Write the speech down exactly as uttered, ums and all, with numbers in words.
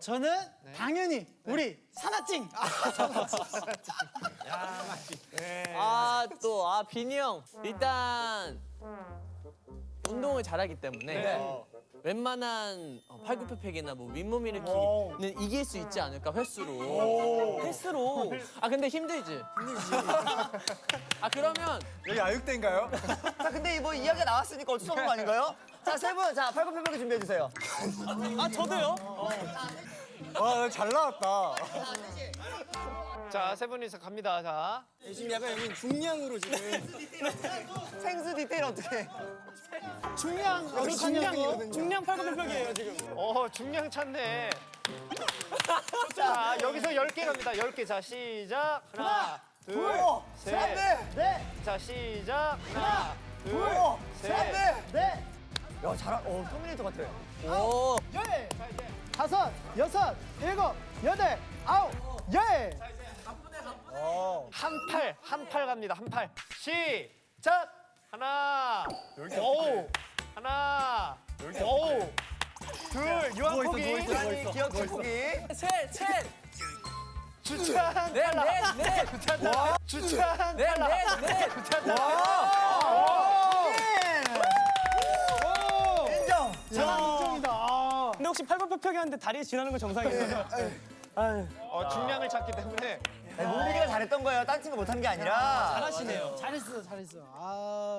저는 당연히 우리 사나찡. 아, 또, 아, 빈이 형. 일단, 운동을 잘하기 때문에 웬만한 어, 팔굽혀펴기나 뭐 윗몸 일으키기는 이길 수 있지 않을까, 횟수로. 횟수로. 아, 근데 힘들지? 힘들지. 아, 그러면. 여기 아육대인가요? 자, 근데 뭐 이야기가 나왔으니까 어쩔 수 없는 거 아닌가요? 자, 세 분, 자, 팔굽혀펴기 준비해 주세요. 아, 저도요? 와, 잘 나왔다. 자, 세 분이서 갑니다. 자. 지금 약간 여기 중량으로 지금. 생수 디테일 어떻게? 중량, 여기 중량, 중량 팔굽혀펴기예요 지금. 어, 중량 찾네. 자, 여기서 열 개 갑니다. 열 개. 자, 시작. 하나, 둘, 셋. 넷, 자, 시작. 하나, 둘, 셋. 넷. 야, 잘한, 어, 터미네이터 같아. 오. 열, 다섯, 여섯, 일곱, 여덟, 아홉, 열. 한 팔, 한 팔 갑니다. 한 팔. 시작. 하나, 오, 하나, 오, 둘, 유한포기, 아니, 기억 축구기. 셋, 셋. 주찬, 넷, 탈락. 넷, 넷. 주찬, 탈락. 주찬, 넷, 탈락. 넷, 넷. 주찬, 탈락. 인정. 인정이다. 아. 근데 혹시 팔굽혀펴기 하는데 다리에 지나는 건 정상이에요? 어, 중량을 찾기 때문에. 문빈이가 잘했던 거예요. 딴 친구 못한 게 아니라. 잘하시네요. 잘했어, 잘했어. 아.